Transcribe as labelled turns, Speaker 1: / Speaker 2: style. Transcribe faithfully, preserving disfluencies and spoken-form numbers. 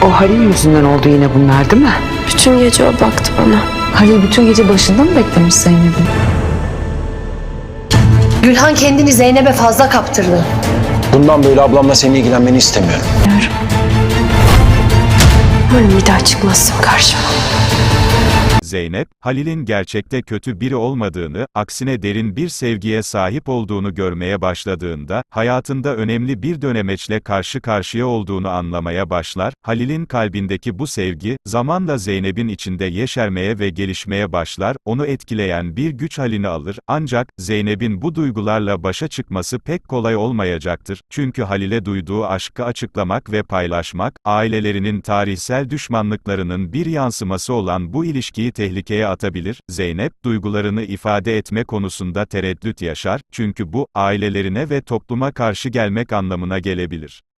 Speaker 1: O Halil yüzünden oldu yine bunlar değil mi?
Speaker 2: Bütün gece o baktı bana.
Speaker 3: Halil bütün gece başında mı beklemiş Zeynep'i?
Speaker 4: Gülhan kendini Zeynep'e fazla kaptırdı.
Speaker 5: Bundan böyle ablamla senin ilgilenmeni istemiyorum.
Speaker 2: Umarım bir daha çıkmazsın karşıma.
Speaker 6: Zeynep, Halil'in gerçekte kötü biri olmadığını, aksine derin bir sevgiye sahip olduğunu görmeye başladığında, hayatında önemli bir dönemeçle karşı karşıya olduğunu anlamaya başlar. Halil'in kalbindeki bu sevgi, zamanla Zeynep'in içinde yeşermeye ve gelişmeye başlar, onu etkileyen bir güç halini alır, ancak, Zeynep'in bu duygularla başa çıkması pek kolay olmayacaktır, çünkü Halil'e duyduğu aşkı açıklamak ve paylaşmak, ailelerinin tarihsel düşmanlıklarının bir yansıması olan bu ilişkiyi tehlikeye atabilir. Zeynep, duygularını ifade etme konusunda tereddüt yaşar, çünkü bu, ailelerine ve topluma karşı gelmek anlamına gelebilir.